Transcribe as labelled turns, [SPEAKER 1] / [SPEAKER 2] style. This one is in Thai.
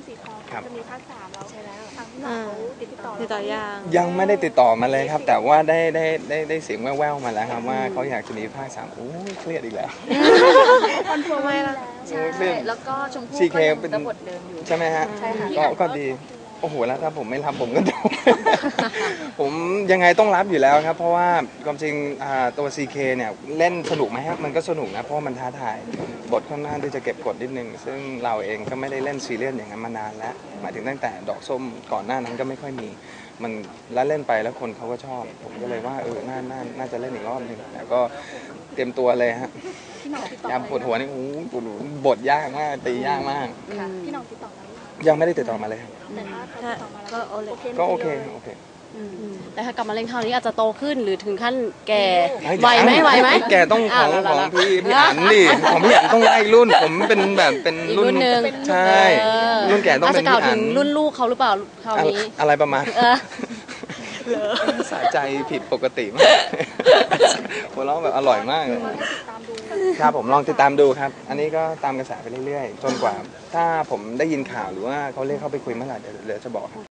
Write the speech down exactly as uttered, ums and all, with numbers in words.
[SPEAKER 1] สีทองจะมีภาคสามแล้วใช่แล้วทางพี่หน่องเขาติดต่อ
[SPEAKER 2] ติดต่อยัง
[SPEAKER 3] ยังไม่ได้ติดต่อมาเลยครับแต่ว่าได้ได้ได้ได้เสียงแว่วๆมาแล้วครับว่าเขาอยากจะมีภาคสามโอ้ยเครียดอีกแล้ว
[SPEAKER 1] คอนเฟิร์มไว้แล้ว
[SPEAKER 3] ใช่
[SPEAKER 4] แล้วก็ชมพู่
[SPEAKER 3] ซีเค
[SPEAKER 4] ก็
[SPEAKER 3] เป็น
[SPEAKER 4] บทเดิมอยู่
[SPEAKER 3] ใช่ไหมฮะก็ก็ดีโอ้โหแล้วถ้าผมไม่รับผมก็โดนผมยังไงต้องรับอยู่แล้วครับเพราะว่าความจริงตัว ซี เค เนี่ยเล่นสนุกไหมครับมันก็สนุกนะเพราะมันท้าทายบทค่อนข้างที่จะเก็บกดนิดนึงซึ่งเราเองก็ไม่ได้เล่นซีเรียสอย่างนั้นมานานแล้วหมายถึงตั้งแต่ดอกส้มก่อนหน้านั้นก็ไม่ค่อยมีมันแล้วเล่นไปแล้วคนเขาก็ชอบผมก็เลยว่าเออน่าน่าน่าจะเล่นอีกรอบหนึ่งแต่ก็เตรียมตัวเลยฮะยามปวดหัวนี่โอ้โหบทยากมากตียากมาก
[SPEAKER 1] พี่น้องติดต่อมา
[SPEAKER 3] ยังไม่ได้ติดต่อมาเลยครับ
[SPEAKER 1] แต่ถ้าเขาติดต่อมาแล้ว
[SPEAKER 3] ก็โอเคโอเค
[SPEAKER 2] แต่ถ้ากลับมาเล่นคราวนี้อาจจะโตขึ้นหรือถึงขั้นแก่ไหวไหมไหวไหม
[SPEAKER 3] แก่ต้องของของพี่พี่อั๋นดิของพี่อั๋นต้องไล่รุ่นผมเป็นแบบเป็นรุ่นใช่รุ่นแก่ต้องเป็นพี่อั๋น
[SPEAKER 2] รุ่นลูกเขาหรือเปล่าคราวนี้
[SPEAKER 3] อะไรประมาณสะใจผิดปกติมากหัวเราะแบบอร่อยมากเลยครับผมลองติดตามดูครับอันนี้ก็ตามกระแสไปเรื่อยๆจนกว่าถ้าผมได้ยินข่าวหรือว่าเขาเรียกเข้าไปคุยเมื่อไหร่เดี๋ยวจะบอก